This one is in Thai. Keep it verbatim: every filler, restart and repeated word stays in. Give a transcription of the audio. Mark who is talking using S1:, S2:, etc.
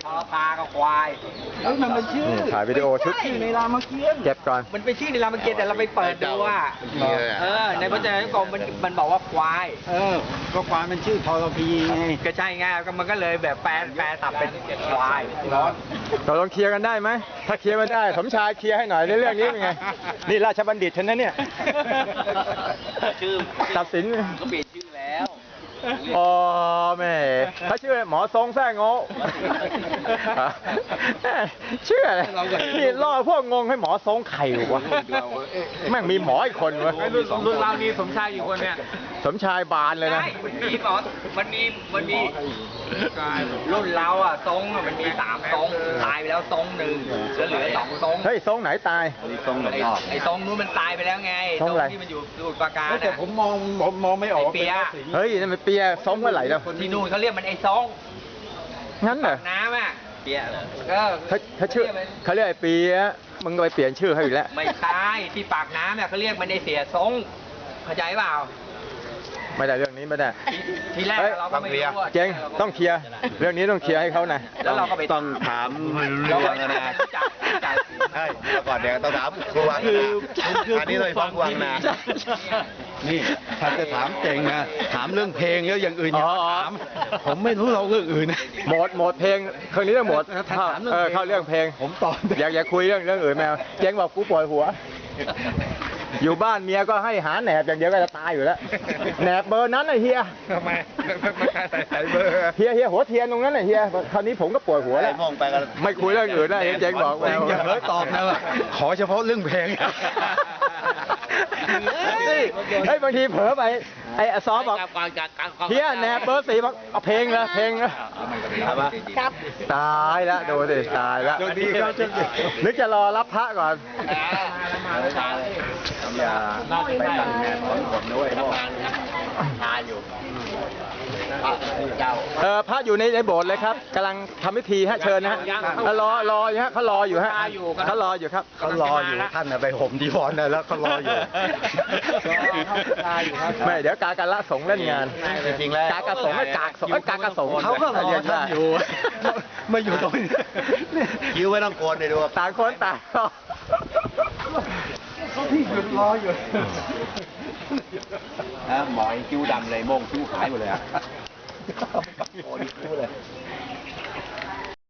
S1: พอปลากับควายแล้วมันเป็นชื่อ
S2: ถ่ายวิดีโอชุด
S1: ชื่อในรามเกียรติ์
S2: เก็บก่อน
S1: มันเป็นชื่อในรามเกียรติ์แต่เราไปเปิดดูว่าเออในพจนานุกรมมันมันบอกว่าควาย
S3: เออก็ควายมันชื่อทรพีไง
S1: ก็ใช่ไงก็มันก็เลยแบบแปลแปลตับเป็นควายร้อน
S2: เราลองเคลียร์กันได้ไหมถ้าเคลียร์ไม่ได้สมชายเคลียร์ให้หน่อยในเรื่องนี้เป็นไงนี่ราชบัณฑิตฉันนะเนี่ย
S1: ชื่อ
S2: ตัดสิน
S1: ก็เปลี่ยนชื่อแล้ว
S2: อ๋อแม่เขาชื่อหมอทรงแท้งงชื่ออะไรนี่ล่อพวกงงให้หมอทรงไข่วะแม่งมีหมออีกคนวะ
S1: รุ่นเรานี่สมชายอยู่คนเนี่ย
S2: สมชายบานเลยนะ
S1: มีหมอมันมีมันมีรุ่นเราอ่ะทรงมันมีสามทรงตายไปแล้วทรงหนึ่งเหลือเหลือสองทรง
S2: เฮ้ยทรงไหนตาย
S1: ทรงไหนไอ้ทรงนู้นมันตายไปแล้วไงทรงที่มันอยู่สมุทรปราการ
S3: แต่ผมมองผมมองไม่ออก
S1: เปีย
S2: เฮ้ยนั่นมันเปียทรงเมื่อไหร่แล้ว
S1: ที่นู่นเขาเรียกมันไอ้ทรง
S2: งั้นเหรอ
S1: น้ำอ่ะเปียก็
S2: เขาเขาชื่อเขาเรียกไอ้เปียมึงก็ไปเปลี่ยนชื่อให้อีกแล้ว
S1: ไม่ใช่ที่ปากน้ำเนี่ยเขาเรียกมันไอ้เสียทรงเข้าใจเปล่า
S2: ไม่ได้เรื่องนี้ไม่ได้
S1: ทีแรกเราก็ไม่รู้
S2: เจ๊งต้องเคลียร์เรื่องนี้ต้องเคลียร์ให้เขานะ
S1: แล้วเราก็ไป
S3: ต้องถามเรื่องนะใช่เมื่อก่อนเดี๋ยวต้องถามครูวังคืออันนี้เลยฟังวังนะนี่ถ้าจะถามเจ๋งนะถามเรื่องเพลงแล้วอย่างอื่นอย่าถามผมไม่รู้เราเรื่องอื่น
S2: หมดหมดเพลงครั้งนี้ต้องหมดเออเข้าเรื่องเพลง
S3: ผมตอบ
S2: อยากอยากคุยเรื่องเรื่องอื่นแมวเจ๊งบอกกูปวดหัวอยู่บ้านเมียก็ให้หาแหนบอย่างเดียวก็จะตายอยู่แล้วแหนบเบอร์นั้นไอ้เฮีย
S3: ทำไมไม่ใช่ใส่เบอร์
S2: เฮียเฮียหัวเทียนตรงนั้นไอ้เฮียคราวนี้ผมก็ปวดหัวแล้ว
S3: มองไปกัน
S2: ไม่คุยเรื่องอื่นแล้วเจ๊งบอกแมว
S3: อย่าเฮ้ยตอบนะขอเฉพาะเรื่องเพลง
S2: เฮ้ยบางทีเผลอไปไอ้ซอบอกเฮียแหนบเบอร์สี่บอกเอาเพลงเลยเพลงเลยตายแล้วดูดิตายแล้วนึกจะรอรับพระก่อน
S3: อย่าไปตัดแหนบของผมด้วยพวก
S1: ทานอยู่
S2: เออพระอยู่ในในโบสถ์เลยครับกำลังทำพิธีฮะเชิญนะฮะรอรออยู่ฮะเขารออยู่ฮะเขารออยู่ครับ
S3: เขารออยู่ท่านไปห่มดีวอนนะแล้วเขารออยู่
S2: ไม่เดี๋ยวกากะละสงเล่นงาน
S3: จริงๆแล้ว
S2: กากะสงกากสงกากะสง
S3: เขาก็รอท่านอยู่มาอยู่ตรงนี้คิ้วไม่ต้องโกนเลยดู
S2: ต่างคนต่างรอ
S3: เขาที่หยุดรออยู่
S1: ฮะหมอคิ้วดำเลยโมงคิ้วหายหมดเลยอ่ะโอ้ยคิ้วเลย